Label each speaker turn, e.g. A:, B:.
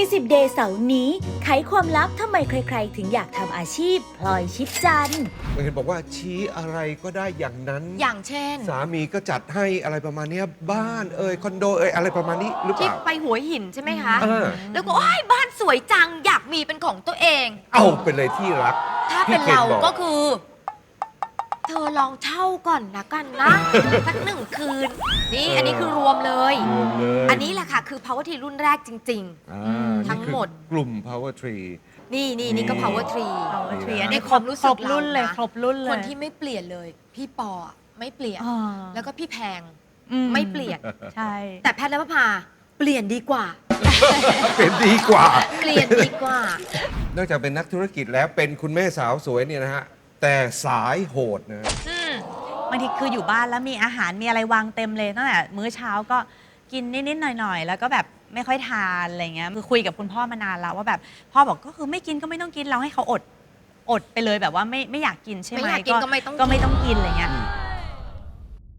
A: 40 Day เสาร์นี้ไขความลับทำไมใครๆ ถึงอยากทำอาชีพพลอยชิดจันทร์
B: เห็นบอกว่าชี้อะไรก็ได้อย่างนั้น
C: อย่างเช่น
B: สามีก็จัดให้อะไรประมาณเนี้ยบ้านคอนโดอะไรประมาณนี้หรือเป
C: ที่
B: ล่า
C: ไปหัวหินใช่ไหมคะ
B: เออ
C: แล้วก็โอ้ยบ้านสวยจังอยากมีเป็นของตัวเอง
B: เอาไปเลยที่รัก
C: ถ้าเป็น
B: พี่
C: เรา
B: คนบอก
C: ก็คือ เธอลองเช่าก่อนนะกันนะ สัก1 คืน นี่อันนี้คือรวมเลย
B: รวมเลย
C: อันนี้แหละค่ะ คือ Power Tree รุ่นแรกจริง
B: อ่า
C: ทั้งหมด
B: นี่คือกลุ่ม Power Tree
C: ๆ นี่ก็ Power Tree
A: Power Tree
B: อันนี้
C: ในความรู้สึก
A: ครบรุ่นเลย
C: ราะ
A: ครบรุ่นเลย
C: คนที่ไม่เปลี่ยนเลย พี่ปออะไม่เปลี่ยน
A: อ่า
C: แล้วก็พี่แพง
A: อื
C: ไม่เปลี่ยน
A: ใช่
C: แต่แพทย์และพภาเปลี่ยนดีกว่า
B: เป็นดีกว่า
C: เปลี่ยนดีกว่า
B: นอกจากเป็นนักธุรกิจแล้วเป็นคุณแม่สาวสวยเนี่ยนะฮะ แต่สายโหดนะ
C: อืม
A: บางทีคืออยู่บ้านแล้วมีอาหารมีอะไรวางเต็มเลยตั้งแต่มื้อเช้าก็กินนิดๆหน่อยๆแล้วก็แบบไม่ค่อยทานอะไรเงี้ยคือคุยกับคุณพ่อมานานแล้วว่าแบบพ่อบอกก็คือไม่กินก็ไม่ต้องกินเราให้เขาอดไปเลยแบบว่าไม่อยากกินใช่ไหม
C: ไม่อยากกินก็ไม่ต้องกิน
A: ก็ไม่ต้องกินอะไรเงี้ย